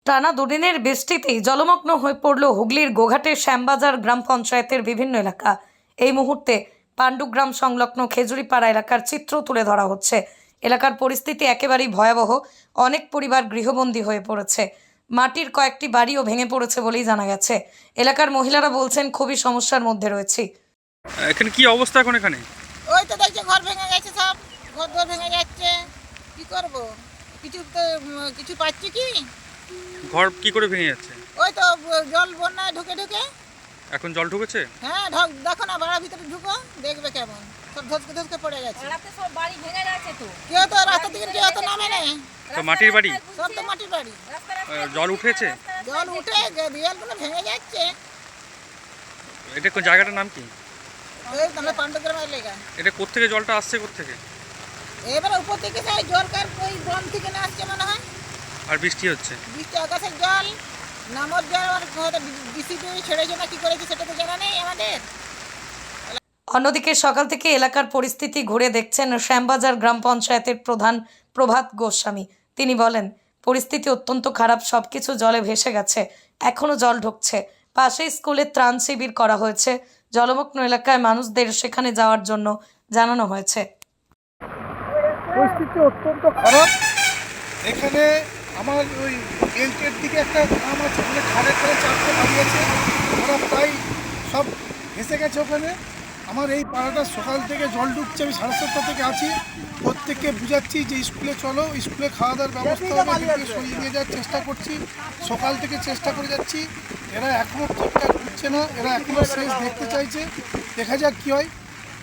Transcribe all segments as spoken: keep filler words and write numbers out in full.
টানা দুদিনের বৃষ্টিতেই জলমগ্ন হয়ে পড়ল হুগলির গোঘাটের শ্যামবাজার গ্রাম পঞ্চায়েতের বিভিন্ন এলাকা। এই মুহূর্তে পাণ্ডুগ্রাম সংলগ্ন খেজুরিপাড়া এলাকার চিত্র তুলে ধরা হচ্ছে। এলাকার পরিস্থিতি একেবারেই ভয়াবহ। অনেক পরিবার গৃহবন্দী হয়ে পড়েছে। মাটির কয়েকটি বাড়িও ভেঙে পড়েছে বলেই জানা গেছে। এলাকার মহিলারা বলছেন খুবই সমস্যার মধ্যে রয়েছে। এখানে কি অবস্থা এখন? এখানে ওই তো দেখছি ঘর ভেঙে গেছে, সব ঘর দর ভেঙে যাচ্ছে। কি করব, কিছু তো উম, কিছু পাচ্ছি কি? ঘর কি করে ভেঙে যাচ্ছে? ওই তো ব- জল বন্যায় ঢুকে ঢুকে। এখন জল ঢুকেছে? হ্যাঁ ঢক দেখো না, বাড়ার ভিতরে ঢুকো, দেখবে কেমন সব ধসকে ধসকে পড়ে গেছে। রাতে সব বাড়ি ভেঙে যাচ্ছে তো। কেউ তো রাস্তা থেকে কেউ তো নামে নেই, তো মাটির বাড়ি, সব তো মাটির বাড়ি। রাস্তা রাস্তা আহ, জল উঠেছে? জল উঠে গে- দেয়ালগুলো ভেঙে যাচ্ছে। এটা কোন জায়গাটার নাম কি? এই তাহলে পাণ্ডুগ্রামের লেগা। এটা কোত্থেকে জলটা আসছে কোত্থেকে? এবার উপর থেকে সেই জলকার ওই ড্রাম থেকে না আসছে মনে হয়। আর বৃষ্টি হচ্ছে? বৃষ্টি আকাশের জল, নামর জল, আর হয়তো বিসিবি ছেড়েছে না কি করেছে সেটা তো জানা নেই আমাদের। অন্যদিকে সকাল থেকে এলাকার পরিস্থিতি ঘুরে দেখছেন শ্যামবাজার গ্রাম পঞ্চায়েতের প্রধান প্রভাত গোস্বামী। তিনি বলেন, পরিস্থিতি অত্যন্ত খারাপ, সবকিছু জলে ভেসে গেছে, এখনো জল ঢুকছে। পাশেই স্কুলে ত্রাণ শিবির করা হয়েছে। জলমগ্ন এলাকায় মানুষদের সেখানে যাওয়ার জন্য জানানো হয়েছে। পরিস্থিতি অত্যন্ত খারাপ। এখানে আমার ওই বেল্টের দিকে একটা গ্রাম আছে, ওখানে খাড়ে করে চারটে বাড়ি আছে, ওরা প্রায় সব ভেসে গেছে ওখানে। আমার এই পাড়াটা সকাল থেকে জল ঢুকছে, আমি সাড়ে সাতটা থেকে আছি। প্রত্যেককে বুঝাচ্ছি যে স্কুলে চলো, স্কুলে খাওয়া দাওয়ার ব্যবস্থা হবে, এদিকে সরিয়ে নিয়ে যাওয়ার চেষ্টা করছি, সকাল থেকে চেষ্টা করে যাচ্ছি। এরা এখনও ঠিকঠাক বুঝছে না, এরা এখনও শেষ দেখতে চাইছে, দেখা যাক কী হয়।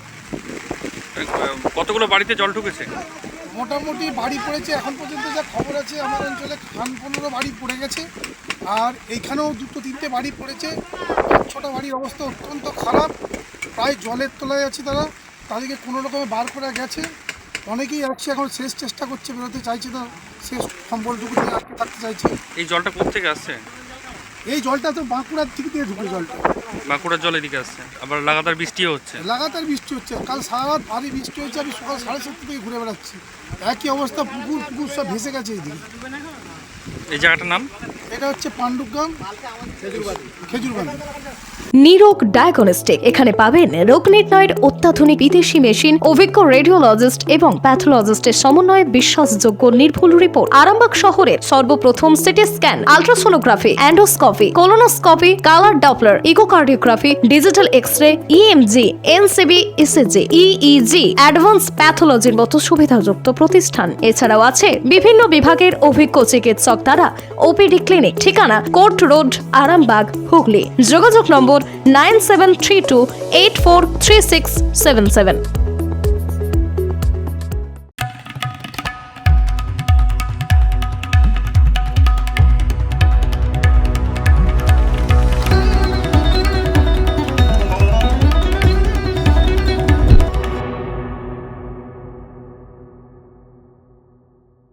আহ, কতগুলো বাড়িতে জল ঢুকেছে? মোটামুটি বাড়ি পড়েছে, এখন পর্যন্ত যা খবর আছে আমার অঞ্চলে খান পনেরো বাড়ি পড়ে গেছে, আর এইখানেও দুটো তিনটে বাড়ি পড়েছে। ছোটো বাড়ির অবস্থা অত্যন্ত খারাপ, প্রায় জলের তলায় আছে তারা, তাদেরকে কোনো রকমে বার করে গেছে। অনেকেই আসছে, এখন শেষ চেষ্টা করছে, বেরোতে চাইছে না, শেষ সম্বলটুকু দিয়ে আটকে থাকতে চাইছে। এই জলটা কোত্থেকে আসছে? এই জলটা তো বাঁকুড়ার দিক দিয়ে ঢুকে, জলটা বাঁকুড়ার জল এদিকে আসছে, আবার লাগাতার বৃষ্টিও হচ্ছে। লাগাতার বৃষ্টি হচ্ছে, কাল সারা রাত ভারী বৃষ্টি হয়েছে। আমি সকাল সাড়ে সাতটা থেকে ঘুরে বেড়াচ্ছি, একই অবস্থা, পুকুর পুকুর সব ভেসে গেছে এইদিকে। এই জায়গাটার নাম? এটা হচ্ছে পাণ্ডুগ্রাম খেজুরবাড়ি। নিরোগ ডায়াগনস্টিক, এখানে পাবেন রোগ নির্ণয়ের অত্যাধুনিক বিদেশি মেশিন, অভিজ্ঞ রেডিওলজিস্ট এবং প্যাথোলজিস্টের সমন্বয়ে বিশ্বাসযোগ্য নির্ভুল রিপোর্ট। আরামবাগ শহরের সর্বপ্রথম CT scan, ultrasonography, endoscopy, colonoscopy, colour doppler, echocardiography, digital X-ray, EMG, NCV, ECG, EEG, advance প্যাথোলজির মতো সুবিধাযুক্ত প্রতিষ্ঠান। এছাড়াও আছে বিভিন্ন বিভাগের অভিজ্ঞ চিকিৎসক দ্বারা ওপিডি ক্লিনিক। ঠিকানা কোর্ট রোড, আরামবাগ, হুগলি। যোগাযোগ number nine seven three two eight four three six seven seven.